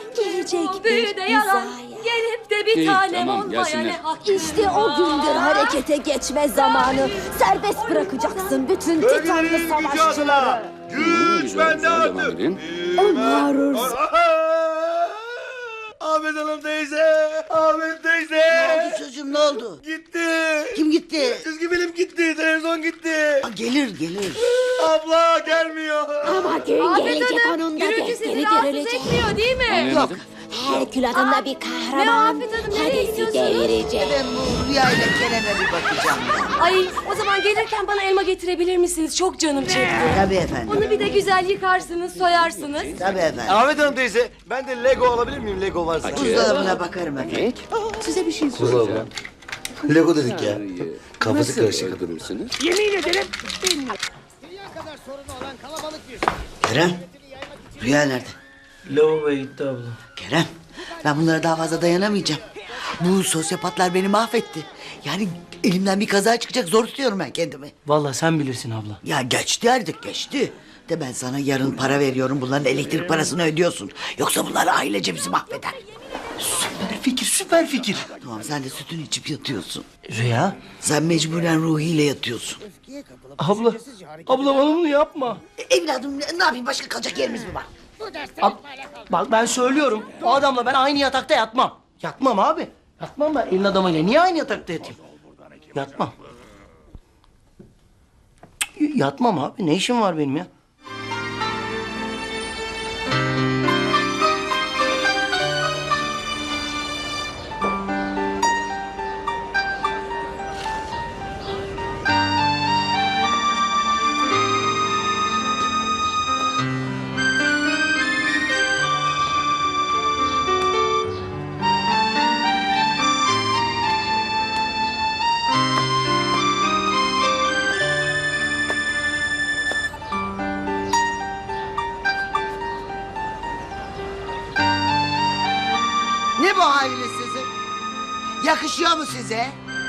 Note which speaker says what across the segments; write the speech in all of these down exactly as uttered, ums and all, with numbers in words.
Speaker 1: Gelecek bir
Speaker 2: Büyüde yalan,
Speaker 1: hizaya.
Speaker 2: gelip de bir
Speaker 3: İyi,
Speaker 2: tanem
Speaker 3: tamam,
Speaker 2: olmaya
Speaker 3: gelsinler.
Speaker 2: ne hakkın
Speaker 1: İşte o gündür harekete geçme zamanı. Serbest bırakacaksın bütün titanlı
Speaker 4: Bölgelerin gücü adına
Speaker 1: savaşçıları.
Speaker 3: Hmm,
Speaker 4: güç
Speaker 3: güzel,
Speaker 4: bende
Speaker 3: güzel, devam
Speaker 4: artık.
Speaker 3: edin.
Speaker 1: Onlarız.
Speaker 4: Ahmet Hanım teyze, Ahmet teyze.
Speaker 5: Ne oldu çocuğum, ne oldu?
Speaker 4: Gitti.
Speaker 5: Kim gitti?
Speaker 4: Çizgi film gitti, televizyon gitti.
Speaker 5: Aa, gelir gelir.
Speaker 4: Abla gelmiyor.
Speaker 1: Ama gün
Speaker 2: Afet
Speaker 1: gelecek
Speaker 2: Hanım,
Speaker 1: onun da
Speaker 2: gürültü sizi
Speaker 1: defteri
Speaker 2: rahatsız
Speaker 1: görülecek.
Speaker 2: etmiyor değil mi?
Speaker 3: Anlayamadım.
Speaker 1: Herkül adında bir kahraman.
Speaker 2: Ne Afet Hanım, nereye
Speaker 1: Hades'i
Speaker 2: gidiyorsunuz?
Speaker 1: devirecek.
Speaker 5: Ben bu rüyayla Kerem'e bir bakacağım ben.
Speaker 2: Ay o zaman gelirken bana elma getirebilir misiniz? Çok canım çekti.
Speaker 5: Tabii efendim.
Speaker 2: Onu bir de güzel yıkarsınız, soyarsınız.
Speaker 5: Tabii efendim.
Speaker 4: Ahmet Hanım teyze, ben de Lego alabilir miyim Lego varsa?
Speaker 3: Hadi.
Speaker 5: Buzdolabına bakarım efendim. Size bir şey soracağım.
Speaker 4: Lego dedik ya.
Speaker 3: İyi.
Speaker 4: Kafası
Speaker 3: Nasıl
Speaker 4: karışık.
Speaker 3: öldürürsünüz?
Speaker 5: Kerem, Rüya nerede?
Speaker 6: Lavaboya gitti abla.
Speaker 5: Kerem, ben bunlara daha fazla dayanamayacağım. Bu sosyopatlar beni mahvetti. Yani elimden bir kaza çıkacak, zor tutuyorum ben kendimi.
Speaker 6: Vallahi sen bilirsin abla.
Speaker 5: Ya geçti artık, geçti. De ben sana yarın para veriyorum, bunların elektrik parasını ödüyorsun. Yoksa bunlar ailece bizi mahveder.
Speaker 6: Süper fikir, süper fikir.
Speaker 5: Tamam, sen de sütünü içip yatıyorsun.
Speaker 6: Rüya.
Speaker 5: Sen mecburen ruhiyle yatıyorsun.
Speaker 6: Abla, abla bana bunu yapma.
Speaker 5: E, evladım, ne ne yapayım, başka kalacak yerimiz mi var?
Speaker 6: Ab- bak ben söylüyorum. O adamla ben aynı yatakta yatmam. Yatmam abi. Yatmam ben elin adamıyla. Niye aynı yatakta yatayım? Yatmam. Cık, Yatmam abi. Ne işim var benim ya?
Speaker 5: Ne bu haliniz sizin? Yakışıyor mu size?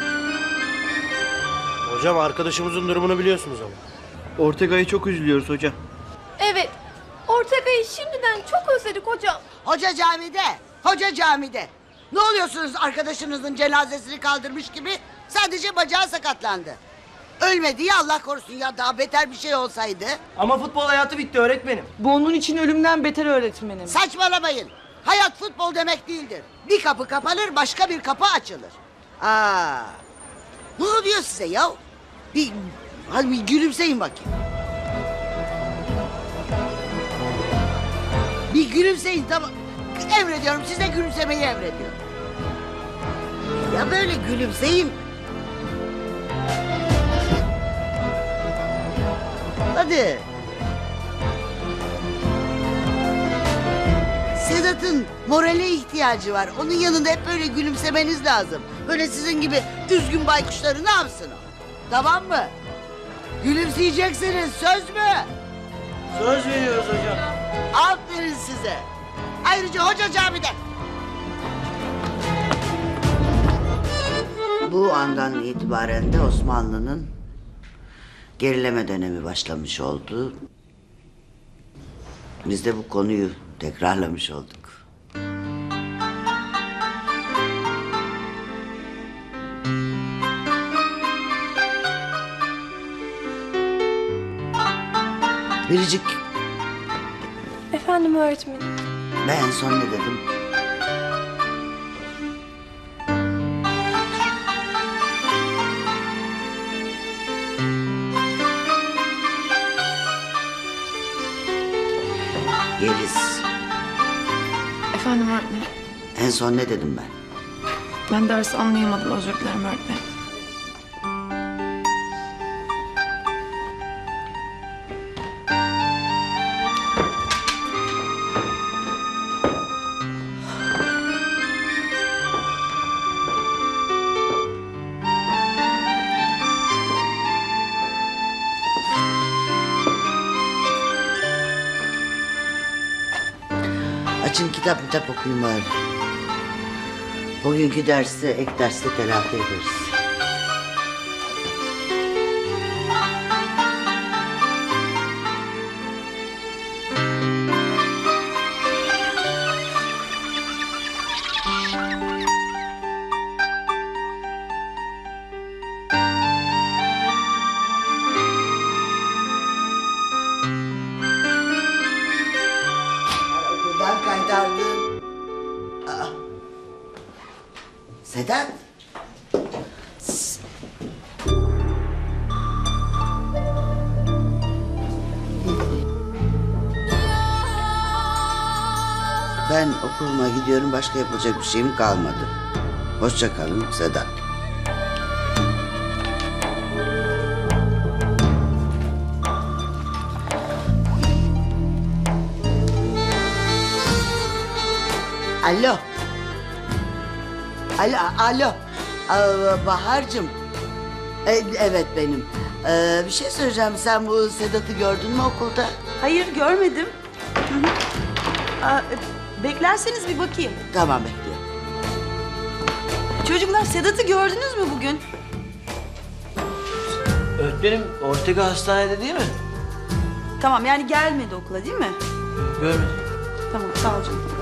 Speaker 7: Hocam arkadaşımızın durumunu biliyorsunuz ama.
Speaker 6: Ortega'yı çok üzülüyoruz hocam.
Speaker 2: Evet, Ortega'yı şimdiden çok özledik hocam.
Speaker 5: Hoca camide, hoca camide. Ne oluyorsunuz arkadaşınızın cenazesini kaldırmış gibi? Sadece bacağı sakatlandı. Ölmedi ya, Allah korusun ya, daha beter bir şey olsaydı.
Speaker 6: Ama futbol hayatı bitti öğretmenim.
Speaker 8: Bu onun için ölümden beter öğretmenim.
Speaker 5: Saçmalamayın. Hayat futbol demek değildir. Bir kapı kapanır, başka bir kapı açılır. Aa, ne oluyor size ya? Bir, hadi bir gülümseyin bakayım. Bir gülümseyin, tamam. Emrediyorum, size gülümsemeyi emrediyorum. Ya böyle gülümseyin. Hadi. Sedat'ın morale ihtiyacı var. Onun yanında hep böyle gülümsemeniz lazım. Böyle sizin gibi üzgün baykuşları ne yapsın o? Tamam mı? Gülümseyeceksiniz, söz mü?
Speaker 6: Söz veriyoruz hocam.
Speaker 5: Aferin size. Ayrıca hoca camide. Bu andan itibaren de Osmanlı'nın gerileme dönemi başlamış oldu. Biz de bu konuyu tekrarlamış olduk. Biricik,
Speaker 2: Efendim öğretmenim.
Speaker 5: ben en son ne dedim? Yeliz,
Speaker 8: Efendim öğretmenim.
Speaker 5: en son ne dedim ben?
Speaker 8: Ben dersi anlayamadım, özür dilerim öğretmenim.
Speaker 5: Açın kitap kitap okuyun bari. Bugünkü dersi ek derste telafi ederiz. kaytardın. Aa. Sedat. S- Ben okuluma gidiyorum. Başka yapılacak bir şeyim kalmadı. Hoşça kalın Sedat. Alo. Alo, alo. Aa, Bahar'cığım. E, evet benim. Ee, bir şey söyleyeceğim. Sen bu Sedat'ı gördün mü okulda?
Speaker 3: Hayır görmedim. Hı hı. Aa, e, beklerseniz bir bakayım.
Speaker 5: Tamam bekliyorum.
Speaker 3: Çocuklar Sedat'ı gördünüz mü bugün?
Speaker 6: Öğretmenim Ortega hastanede değil mi?
Speaker 3: Tamam yani gelmedi okula değil mi?
Speaker 6: Görmedim.
Speaker 3: Tamam sağ ol canım.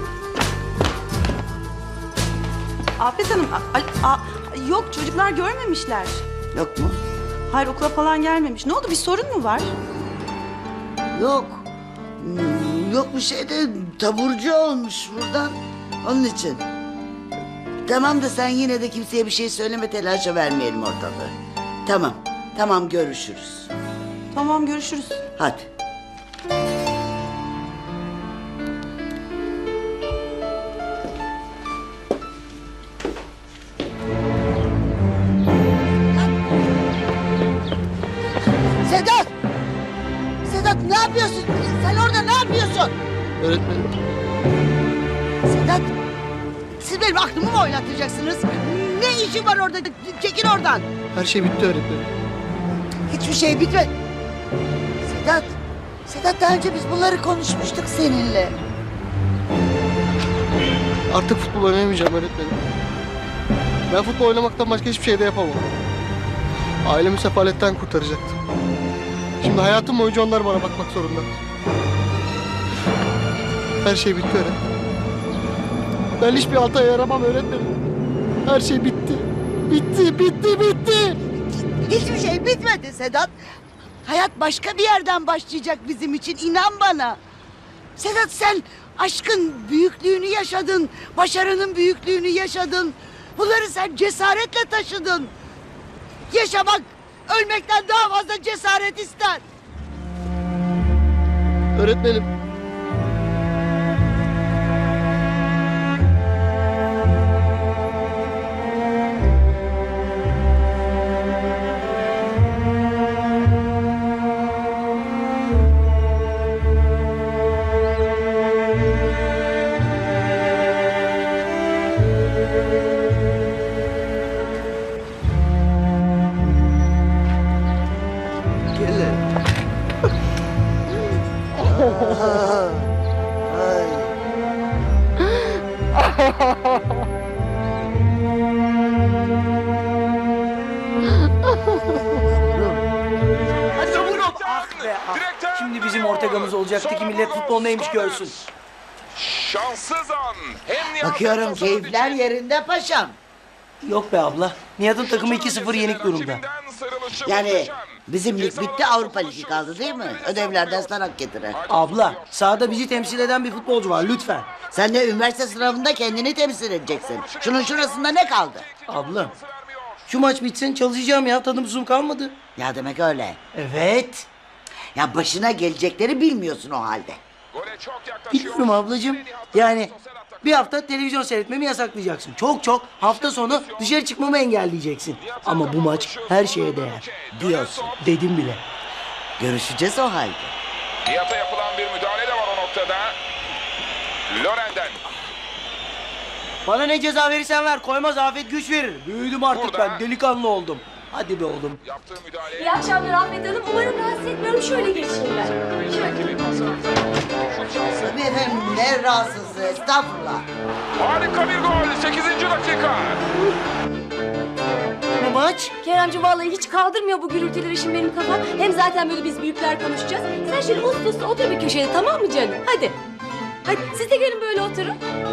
Speaker 3: Afet Hanım, a- a- a- yok çocuklar görmemişler.
Speaker 5: Yok mu?
Speaker 3: Hayır okula falan gelmemiş. Ne oldu bir sorun mu var?
Speaker 5: Yok. Hmm, Yok bir şey de taburcu olmuş buradan. Onun için. Tamam da sen yine de kimseye bir şey söyleme, telaşa vermeyelim ortalığı. Tamam. Tamam görüşürüz.
Speaker 3: Tamam görüşürüz.
Speaker 5: Hadi. Sedat! Sedat ne yapıyorsun? Sen orada ne yapıyorsun?
Speaker 7: Öğretmenim.
Speaker 5: Sedat! Siz benim aklımı mı oynatacaksınız? Ne işin var orada? Çekil oradan.
Speaker 7: Her şey bitti öğretmenim.
Speaker 5: Hiçbir şey bitmedi. Sedat! Sedat daha önce biz bunları konuşmuştuk seninle.
Speaker 7: Artık futbol oynayamayacağım öğretmenim. Ben futbol oynamaktan başka hiçbir şey de yapamam. Ailemi sefaletten kurtaracaktım. Şimdi hayatım boyunca onlar bana bakmak zorunda. Her şey bitti öğretmenim. Ben hiçbir alta yaramam öğretmenim. Her şey bitti. Bitti, bitti, bitti.
Speaker 5: Hiçbir şey bitmedi Sedat. Hayat başka bir yerden başlayacak bizim için, inan bana. Sedat sen aşkın büyüklüğünü yaşadın, başarının büyüklüğünü yaşadın. Bunları sen cesaretle taşıdın. Yaşamak ölmekten daha fazla cesaret ister.
Speaker 7: Öğretmenim.
Speaker 6: Hadi vurun. Ah be ah. Şimdi bizim Ortega'mız olacaktı ki millet futbol neymiş görsün.
Speaker 9: Şanssız an. Hem Nihat
Speaker 5: Bakıyorum
Speaker 9: hem
Speaker 5: keyifler yerinde paşam.
Speaker 6: Yok be abla. Nihat'ın takımı iki sıfır yenik durumda.
Speaker 5: Yani bizim lig bitti, Avrupa Ligi kaldı değil mi? Ödevler, dersler hak getire.
Speaker 6: Abla sahada bizi temsil eden bir futbolcu var lütfen.
Speaker 5: Sen de üniversite sınavında kendini temsil edeceksin. Şunun şurasında ne kaldı?
Speaker 6: Abla şu maç bitsin çalışacağım ya tadım tuzum kalmadı.
Speaker 5: Ya demek öyle.
Speaker 6: Evet.
Speaker 5: Ya başına gelecekleri bilmiyorsun o halde.
Speaker 6: Biliyorum ablacığım. Yani bir hafta televizyon seyretmemi yasaklayacaksın. Çok çok hafta sonu dışarı çıkmamı engelleyeceksin. Ama bu maç her şeye değer.
Speaker 5: Diyorsun.
Speaker 6: Dedim bile.
Speaker 5: Görüşeceğiz o halde.
Speaker 9: Nihat'a yapılan bir müdahale de var o noktada. Loren'den.
Speaker 6: Bana ne ceza verirsen ver. Koymaz afet güç verir. Büyüdüm artık
Speaker 9: Burada.
Speaker 6: ben. Delikanlı oldum. Hadi be oğlum.
Speaker 9: Yaptığı müdahale.
Speaker 2: İyi akşamlar Ahmet Hanım. Umarım rahatsız etmiyorum. Şöyle geçeyim ben. Şöyle.
Speaker 5: Tabii efendim ne rahatsızlığı, estağfurullah.
Speaker 9: Harika bir gol. sekizinci dakika.
Speaker 6: Ne maç?
Speaker 2: Keremciğim vallahi hiç kaldırmıyor bu gürültüleri şimdi benim kafam. Hem zaten böyle biz büyükler konuşacağız. Sen şöyle uslu uslu otur bir köşede, tamam mı canım? Hadi. Hadi siz de gelin böyle oturun.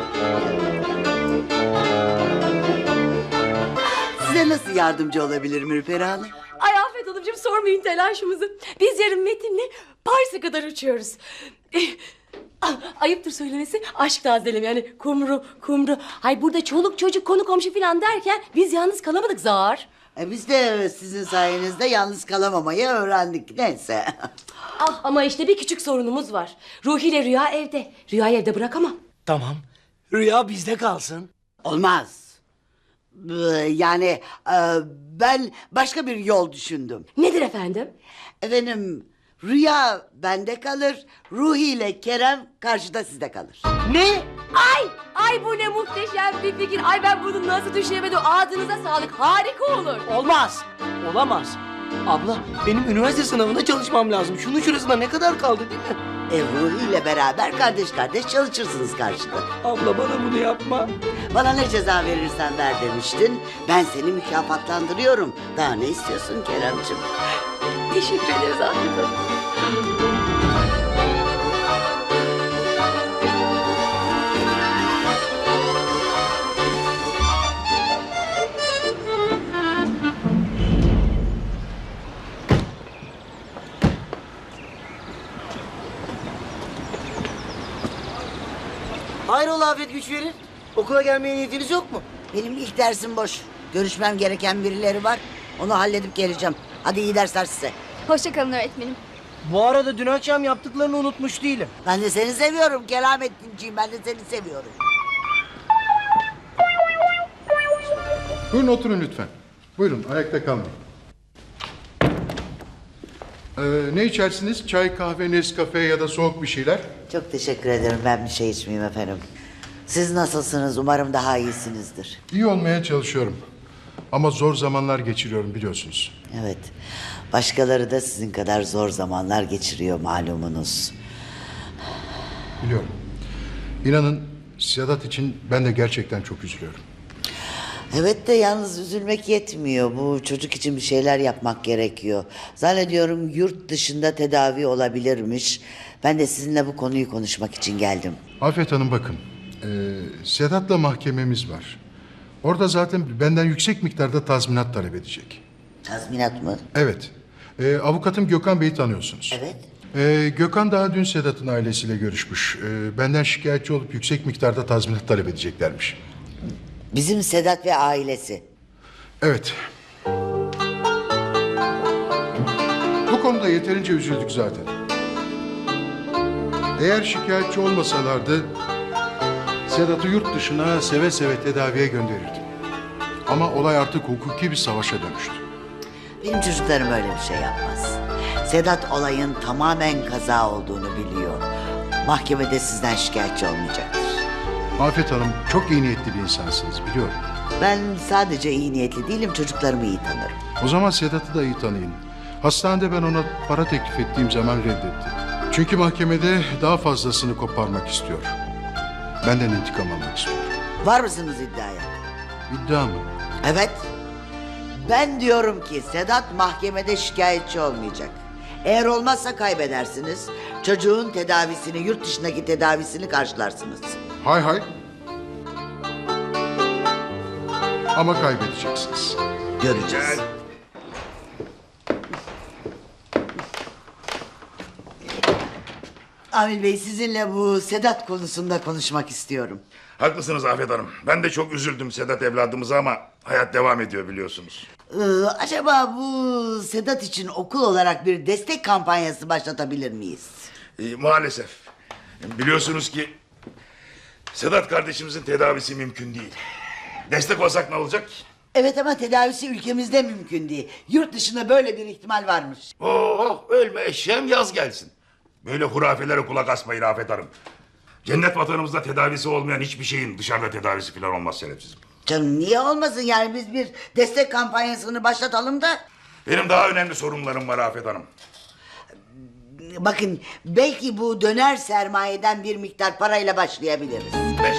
Speaker 5: Size nasıl yardımcı olabilirim Ürperi Hanım?
Speaker 2: Ay Afet Hanımcığım sormayın telaşımızı. Biz yarın Metin'le Paris'e kadar uçuyoruz. Eh, Ah, ayıptır söylemesi aşk tazelim yani kumru kumru. Hay burada çoluk çocuk konu komşu falan derken biz yalnız kalamadık zar.
Speaker 5: E biz de sizin sayenizde yalnız kalamamayı öğrendik. Neyse.
Speaker 2: Ah ama işte bir küçük sorunumuz var. Ruhi ile Rüya evde. Rüyayı evde bırakamam.
Speaker 6: Tamam. Rüya bizde kalsın.
Speaker 5: Olmaz. Ee, Yani e, ben başka bir yol düşündüm.
Speaker 2: Nedir efendim?
Speaker 5: Efendim Rüya bende kalır. Ruhi ile Kerem karşıda sizde kalır.
Speaker 6: Ne?
Speaker 2: Ay ay bu ne muhteşem bir fikir. Ay ben bunu nasıl düşünemedim. Ağzınıza sağlık, harika olur.
Speaker 6: Olmaz. Olamaz. Abla benim üniversite sınavında çalışmam lazım. Şunun şurasında ne kadar kaldı değil mi?
Speaker 5: E, Ruhi ile beraber kardeş kardeş çalışırsınız karşıda.
Speaker 6: Abla bana bunu yapma.
Speaker 5: Bana ne ceza verirsen ver demiştin. Ben seni mükafatlandırıyorum. Daha ne istiyorsun Keremciğim?
Speaker 2: Teşekkür ederiz Afet Hanım.
Speaker 6: Hayrola Afet güç verir? Okula gelmeye niyetiniz yok mu?
Speaker 5: Benim ilk dersim boş. Görüşmem gereken birileri var. Onu halledip geleceğim. Hadi iyi dersler size.
Speaker 1: Hoşçakalın öğretmenim.
Speaker 6: Bu arada dün akşam yaptıklarını unutmuş değilim.
Speaker 5: Ben de seni seviyorum Keramettinciğim. Ben de seni seviyorum.
Speaker 10: Buyurun oturun lütfen. Buyurun ayakta kalmayın. Ee, ne içersiniz? Çay, kahve, Nescafe ya da soğuk bir şeyler?
Speaker 5: Çok teşekkür ederim. Ben bir şey içmeyeyim efendim. Siz nasılsınız? Umarım daha iyisinizdir.
Speaker 10: İyi olmaya çalışıyorum. Ama zor zamanlar geçiriyorum biliyorsunuz.
Speaker 5: Evet. Başkaları da sizin kadar zor zamanlar geçiriyor malumunuz.
Speaker 10: Biliyorum. İnanın Sedat için ben de gerçekten çok üzülüyorum.
Speaker 5: Evet de yalnız üzülmek yetmiyor. Bu çocuk için bir şeyler yapmak gerekiyor. Zannediyorum yurt dışında tedavi olabilirmiş. Ben de sizinle bu konuyu konuşmak için geldim.
Speaker 10: Afet Hanım bakın. E, Sedat'la mahkememiz var. Orada zaten benden yüksek miktarda tazminat talep edecek.
Speaker 5: Tazminat mı?
Speaker 10: Evet. E, avukatım Gökhan Bey'i tanıyorsunuz.
Speaker 5: Evet.
Speaker 10: Ee, Gökhan daha dün Sedat'ın ailesiyle görüşmüş. Ee, benden şikayetçi olup yüksek miktarda tazminat talep edeceklermiş.
Speaker 5: Bizim Sedat ve ailesi.
Speaker 10: Evet. Bu konuda yeterince üzüldük zaten. Eğer şikayetçi olmasalardı Sedat'ı yurt dışına seve seve tedaviye gönderirdim. Ama olay artık hukuki bir savaşa dönüştü.
Speaker 5: Benim çocuklarım öyle bir şey yapmaz. Sedat olayın tamamen kaza olduğunu biliyor. Mahkemede sizden şikayetçi olmayacaktır.
Speaker 10: Afet Hanım çok iyi niyetli bir insansınız biliyorum.
Speaker 5: Ben sadece iyi niyetli değilim, çocuklarımı iyi tanırım.
Speaker 10: O zaman Sedat'ı da iyi tanıyın. Hastanede ben ona para teklif ettiğim zaman reddetti. Çünkü mahkemede daha fazlasını koparmak istiyor. Benden intikam almak istiyor.
Speaker 5: Var mısınız iddiaya?
Speaker 10: İddia mı?
Speaker 5: Evet. Ben diyorum ki Sedat mahkemede şikayetçi olmayacak. Eğer olmazsa kaybedersiniz. Çocuğun tedavisini, yurt dışındaki tedavisini karşılarsınız.
Speaker 10: Hay hay. Ama kaybedeceksiniz.
Speaker 5: Göreceğiz. Amil Bey, sizinle bu Sedat konusunda konuşmak istiyorum.
Speaker 9: Haklısınız Afet Hanım. Ben de çok üzüldüm Sedat evladımıza ama hayat devam ediyor biliyorsunuz.
Speaker 5: Ee, acaba bu Sedat için okul olarak bir destek kampanyası başlatabilir miyiz?
Speaker 9: Ee, maalesef. Biliyorsunuz ki Sedat kardeşimizin tedavisi mümkün değil. Destek olsak ne olacak?
Speaker 5: Evet ama tedavisi ülkemizde mümkün değil. Yurt dışında böyle bir ihtimal varmış.
Speaker 9: Oh ölme eşeğim yaz gelsin. Böyle hurafelere kulak asmayın Afet Hanım. Cennet vatanımızda tedavisi olmayan hiçbir şeyin dışarıda tedavisi falan olmaz şerefsizim.
Speaker 5: Canım niye olmasın yani biz bir destek kampanyasını başlatalım da.
Speaker 9: Benim daha önemli sorunlarım var Afet Hanım.
Speaker 5: Bakın belki bu döner sermayeden bir miktar parayla başlayabiliriz.
Speaker 9: Beş.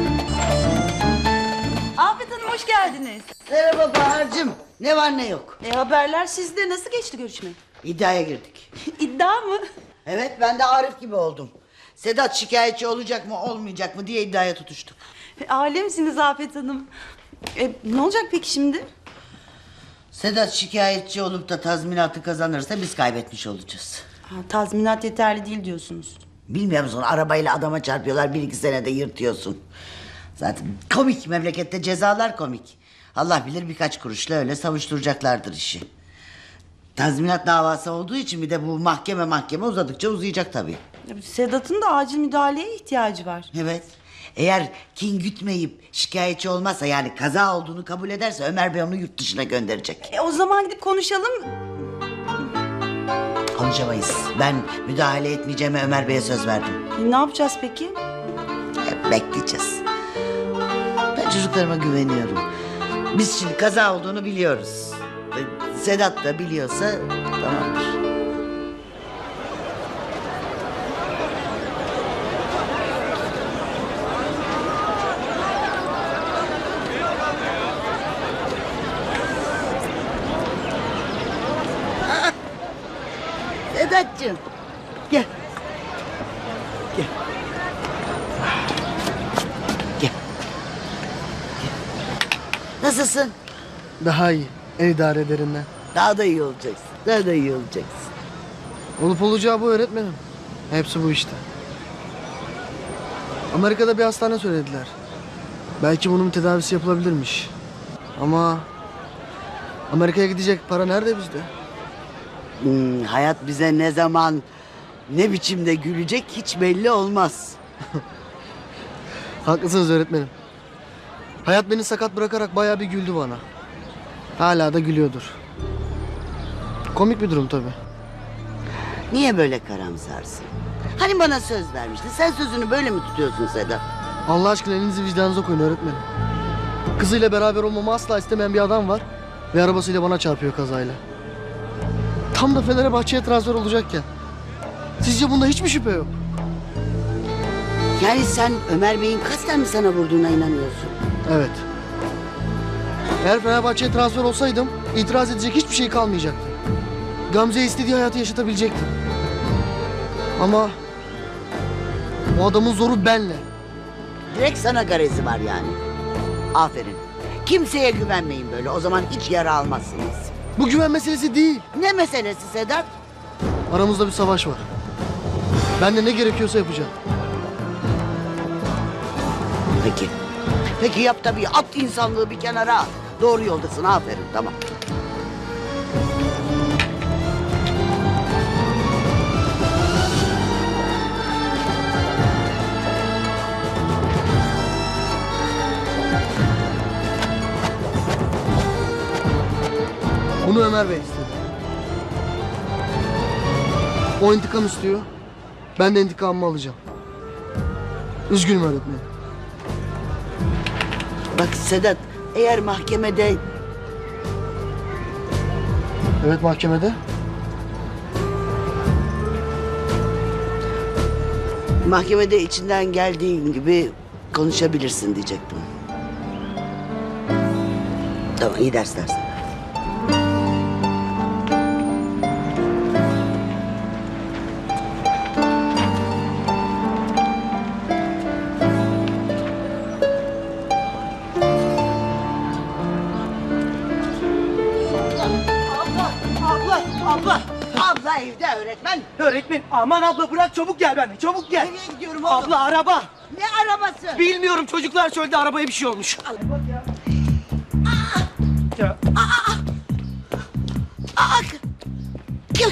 Speaker 3: Afet Hanım hoş geldiniz.
Speaker 5: Merhaba Bahar'cığım. Ne var ne yok.
Speaker 3: E, haberler sizde. Nasıl geçti görüşme?
Speaker 5: İddiaya girdik.
Speaker 3: İddia mı?
Speaker 5: Evet ben de Arif gibi oldum. Sedat şikayetçi olacak mı olmayacak mı diye iddiaya tutuştuk.
Speaker 3: E, alemsiniz Afet Hanım. E, ne olacak peki şimdi?
Speaker 5: Sedat şikayetçi olup da tazminatı kazanırsa biz kaybetmiş olacağız.
Speaker 3: Ha, tazminat yeterli değil diyorsunuz.
Speaker 5: Bilmiyor musun arabayla adama çarpıyorlar bir iki senede yırtıyorsun. Zaten komik memlekette cezalar komik. Allah bilir birkaç kuruşla öyle savuşturacaklardır işi. Tazminat davası olduğu için bir de bu mahkeme mahkeme uzadıkça uzayacak tabii.
Speaker 3: Sedat'ın da acil müdahaleye ihtiyacı var.
Speaker 5: Evet. Eğer kin gütmeyip şikayetçi olmazsa yani kaza olduğunu kabul ederse Ömer Bey onu yurt dışına gönderecek.
Speaker 3: E, o zaman gidip konuşalım.
Speaker 5: Konuşamayız. Ben müdahale etmeyeceğime Ömer Bey'e söz verdim.
Speaker 3: E, ne yapacağız peki?
Speaker 5: Hep bekleyeceğiz. Ben çocuklarıma güveniyorum. Biz şimdi kaza olduğunu biliyoruz. Ve Sedat da biliyorsa tamamdır. Sedat'cığım gel. Gel. Gel. Gel. Nasılsın?
Speaker 6: Daha iyi. El idarelerinden.
Speaker 5: Daha da iyi olacaksın. Daha da iyi olacaksın.
Speaker 6: Olup olacağı bu öğretmenim. Hepsi bu işte. Amerika'da bir hastane söylediler. Belki bunun tedavisi yapılabilirmiş. Ama Amerika'ya gidecek para nerede bizde?
Speaker 5: Hmm, hayat bize ne zaman, ne biçimde gülecek hiç belli olmaz.
Speaker 6: Haklısınız öğretmenim. Hayat beni sakat bırakarak bayağı bir güldü bana. Hala da gülüyordur. Komik bir durum tabii.
Speaker 5: Niye böyle karamsarsın? Hani bana söz vermiştin. Sen sözünü böyle mi tutuyorsun Sedat?
Speaker 6: Allah aşkına elinizi vicdanınıza koyun öğretmenim. Kızıyla beraber olmamı asla istemeyen bir adam var ve arabasıyla bana çarpıyor kazayla. Tam da Fenerbahçe'ye transfer olacakken. Sizce bunda hiç mi şüphe yok?
Speaker 5: Yani sen Ömer Bey'in kasten mi sana vurduğuna inanıyorsun?
Speaker 6: Evet. Eğer Fenerbahçe'ye transfer olsaydım itiraz edecek hiçbir şey kalmayacaktı. Gamze'ye istediği hayatı yaşatabilecektim. Ama o adamın zoru benle.
Speaker 5: Direkt sana garezi var yani. Aferin. Kimseye güvenmeyin böyle. O zaman hiç yara almazsınız.
Speaker 6: Bu güven meselesi değil.
Speaker 5: Ne meselesi Sedat?
Speaker 6: Aramızda bir savaş var. Ben de ne gerekiyorsa yapacağım.
Speaker 5: Peki. Peki yap tabii. At insanlığı bir kenara at. Doğru yoldasın. Aferin. Tamam.
Speaker 6: Bunu Ömer Bey istedi. O intikam istiyor. Ben de intikamımı alacağım. Üzgünüm öğretmenim.
Speaker 5: Bak Sedat, eğer mahkemede...
Speaker 6: Evet mahkemede.
Speaker 5: Mahkemede içinden geldiğin gibi konuşabilirsin diyecektim. Tamam, iyi dersler sana.
Speaker 6: Abla, abla.
Speaker 5: Abla evde öğretmen.
Speaker 6: Öğretmen aman abla bırak çabuk gel benimle çabuk gel.
Speaker 5: Nereye gidiyorum oğlum?
Speaker 6: Abla araba.
Speaker 5: Ne arabası?
Speaker 6: Bilmiyorum çocuklar söyledi arabaya bir şey olmuş.
Speaker 5: Aa, kim?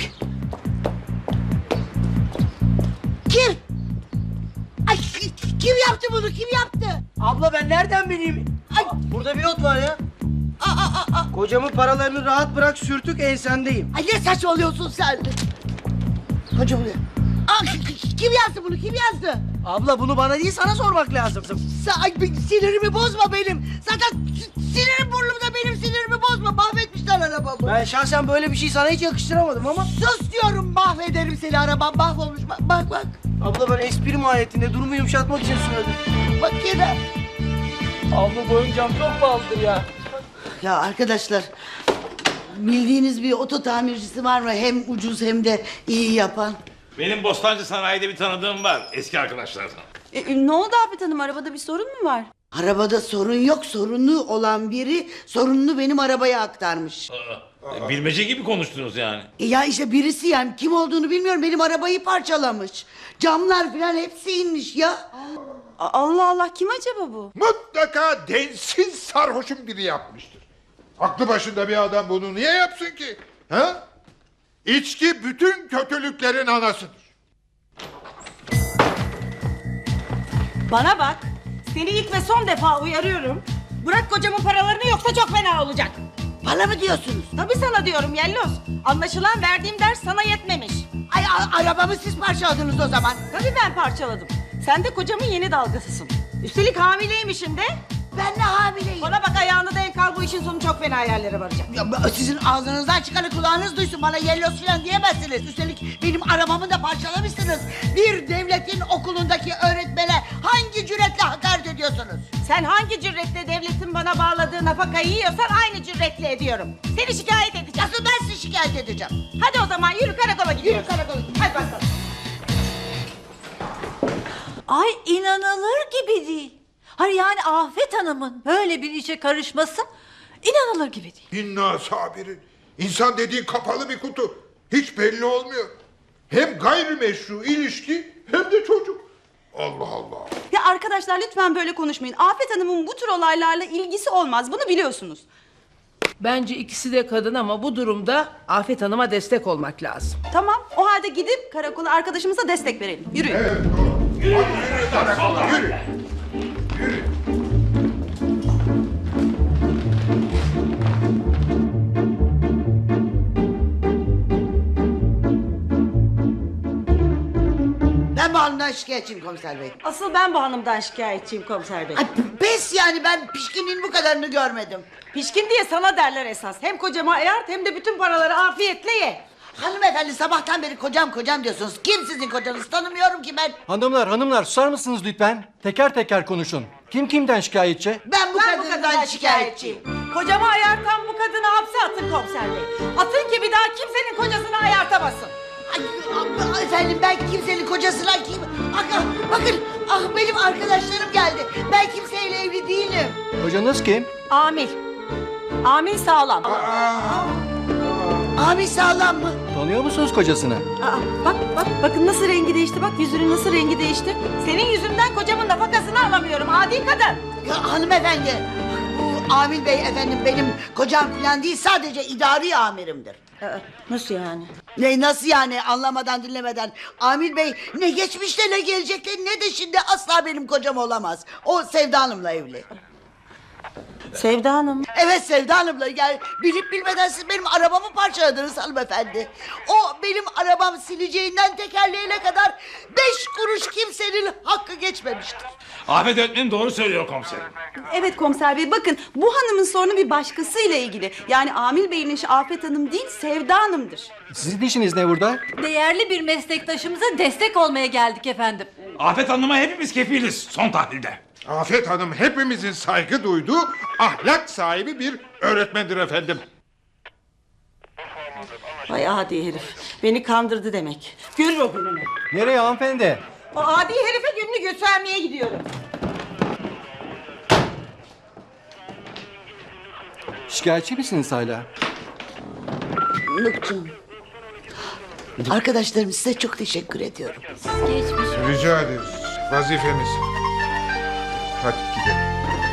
Speaker 5: Kim? Ay, kim yaptı bunu? Kim yaptı?
Speaker 6: Abla ben nereden bileyim?
Speaker 5: Ay.
Speaker 6: Burada bir not var ya.
Speaker 5: Aa, aa, aa.
Speaker 6: Kocamın paralarını rahat bırak sürtük ensendeyim.
Speaker 5: Ay ne saçmalıyorsun sen? Hocam ne? Aa, kim yazdı bunu? Kim yazdı?
Speaker 6: Abla bunu bana değil sana sormak lazım.
Speaker 5: Sen, ay, sinirimi bozma benim. Zaten sinirim burnumda benim sinirimi bozma. Mahvetmişler arabamı.
Speaker 6: Ben şahsen böyle bir şey sana hiç yakıştıramadım ama.
Speaker 5: Sus diyorum mahvederim seni arabam mahvolmuş. Bak bak bak.
Speaker 6: Abla ben espri mahiyetinde durumu yumuşatmak için söyledim.
Speaker 5: Bak yine.
Speaker 6: Abla bu oyuncağım çok pahalıdır ya.
Speaker 5: Ya arkadaşlar bildiğiniz bir oto tamircisi var mı? Hem ucuz hem de iyi yapan.
Speaker 9: Benim Bostancı Sanayi'de bir tanıdığım var eski arkadaşlardan.
Speaker 3: E, ne oldu Afet Hanım? Arabada bir sorun mu var?
Speaker 5: Arabada sorun yok, sorunlu olan biri sorununu benim arabaya aktarmış.
Speaker 11: Bilmece gibi konuştunuz yani.
Speaker 5: E ya işte birisi, yani kim olduğunu bilmiyorum, benim arabayı parçalamış. Camlar falan hepsi inmiş ya.
Speaker 3: Allah Allah, kim acaba bu?
Speaker 12: Mutlaka densiz sarhoşun biri yapmıştır. Aklı başında bir adam bunu niye yapsın ki? Ha? İçki bütün kötülüklerin anasıdır.
Speaker 3: Bana bak, seni ilk ve son defa uyarıyorum. Bırak kocamın paralarını, yoksa çok fena olacak.
Speaker 5: Bana mı diyorsunuz?
Speaker 3: Tabii sana diyorum Yelloz. Anlaşılan verdiğim ders sana yetmemiş.
Speaker 5: Ay a- arabamı siz parçaladınız o zaman.
Speaker 3: Tabii ben parçaladım. Sen de kocamın yeni dalgasısın. Üstelik hamileymişim de.
Speaker 5: Ben de hamileyim.
Speaker 3: Bana bak, ayağını denk al, bu işin sonu çok fena yerlere varacak.
Speaker 5: Ya, sizin ağzınızdan çıkanı kulağınız duysun, bana yellos falan diyemezsiniz. Üstelik benim arabamı da parçalamışsınız. Bir devletin okulundaki öğretmene hangi cüretle hakaret ediyorsunuz?
Speaker 3: Sen hangi cüretle devletin bana bağladığı nafakayı yiyorsan aynı cüretle ediyorum. Seni şikayet edeceğim.
Speaker 5: Nasıl ben sizi şikayet edeceğim?
Speaker 3: Hadi o zaman yürü, karakola gidiyoruz.
Speaker 5: Yürü karakola.
Speaker 3: Hadi bakalım.
Speaker 1: Ay inanılır gibi değil. Hayır yani Afet Hanım'ın böyle bir işe karışması inanılır gibi değil.
Speaker 12: İnna sabirin. İnsan dediğin kapalı bir kutu. Hiç belli olmuyor. Hem gayrimeşru ilişki hem de çocuk. Allah Allah.
Speaker 3: Ya arkadaşlar, lütfen böyle konuşmayın. Afet Hanım'ın bu tür olaylarla ilgisi olmaz. Bunu biliyorsunuz.
Speaker 13: Bence ikisi de kadın ama bu durumda Afet Hanım'a destek olmak lazım.
Speaker 3: Tamam, o halde gidip karakola arkadaşımıza destek verelim. Yürüyün.
Speaker 12: Evet doğru. Hadi yürü karakola yürü. Yürü.
Speaker 5: Ben bu hanımdan şikayetçiyim komiser bey.
Speaker 3: Asıl ben bu hanımdan şikayetçiyim komiser bey.
Speaker 5: Ay pes yani, ben pişkinin bu kadarını görmedim.
Speaker 3: Pişkin diye sana derler esas. Hem kocama ayart hem de bütün paraları afiyetle ye.
Speaker 5: Hanımefendi, sabahtan beri kocam kocam diyorsunuz. Kim sizin kocanız, tanımıyorum ki ben.
Speaker 6: Hanımlar hanımlar susar mısınız lütfen? Teker teker konuşun. Kim kimden şikayetçi?
Speaker 5: Ben bu
Speaker 3: Ben bu
Speaker 5: kadından
Speaker 3: kadından
Speaker 5: şikayetçiyim.
Speaker 3: şikayetçiyim. Kocama ayartan bu kadını hapse atın komiser bey. Atın ki bir daha kimsenin kocasını ayartamasın.
Speaker 5: Ay, ah, efendim, ben kimsenin kocasına kim? Bakın, bakın, ah benim arkadaşlarım geldi. Ben kimseyle evli değilim.
Speaker 6: Kocanız kim?
Speaker 3: Amil. Amil sağlam.
Speaker 5: Abi sağlam mı?
Speaker 6: Tanıyor musunuz kocasını?
Speaker 3: Aa, bak bak bakın nasıl rengi değişti, bak yüzünün nasıl rengi değişti. Senin yüzünden kocamın nafakasını alamıyorum adi kadın.
Speaker 5: Ya, hanımefendi, bu Amil Bey efendim benim kocam falan değil, sadece idari amirimdir.
Speaker 3: Aa, nasıl yani?
Speaker 5: Ne nasıl yani, anlamadan dinlemeden. Amil Bey ne geçmişte ne gelecekte ne de şimdi asla benim kocam olamaz. O Sevda Hanım'la evli.
Speaker 3: Sevda Hanım.
Speaker 5: Evet, Sevda Hanım'la, yani bilip bilmeden siz benim arabamı parçaladınız hanımefendi. O benim arabam sileceğinden tekerleğine kadar beş kuruş kimsenin hakkı geçmemiştir.
Speaker 11: Afet öğretmenim doğru söylüyor komiserim.
Speaker 3: Evet komiser bey, bakın bu hanımın sorunu bir başkasıyla ilgili. Yani Amil Bey'in işi Afet Hanım değil, Sevda Hanım'dır.
Speaker 6: Sizin işiniz ne burada?
Speaker 1: Değerli bir meslektaşımıza destek olmaya geldik efendim.
Speaker 9: Afet Hanım'a hepimiz kefiliz son tahlilde.
Speaker 12: Afet Hanım hepimizin saygı duyduğu ahlak sahibi bir öğretmendir efendim.
Speaker 3: Vay adi herif. Beni kandırdı demek. Görür o gününü.
Speaker 6: Nereye hanımefendi?
Speaker 3: O adi herife gününü göstermeye gidiyorum.
Speaker 6: Şikayetçi misiniz hala?
Speaker 5: Nukçum, arkadaşlarım size çok teşekkür ediyorum.
Speaker 12: Rica ederiz. Vazifemiz. Hadi gidelim.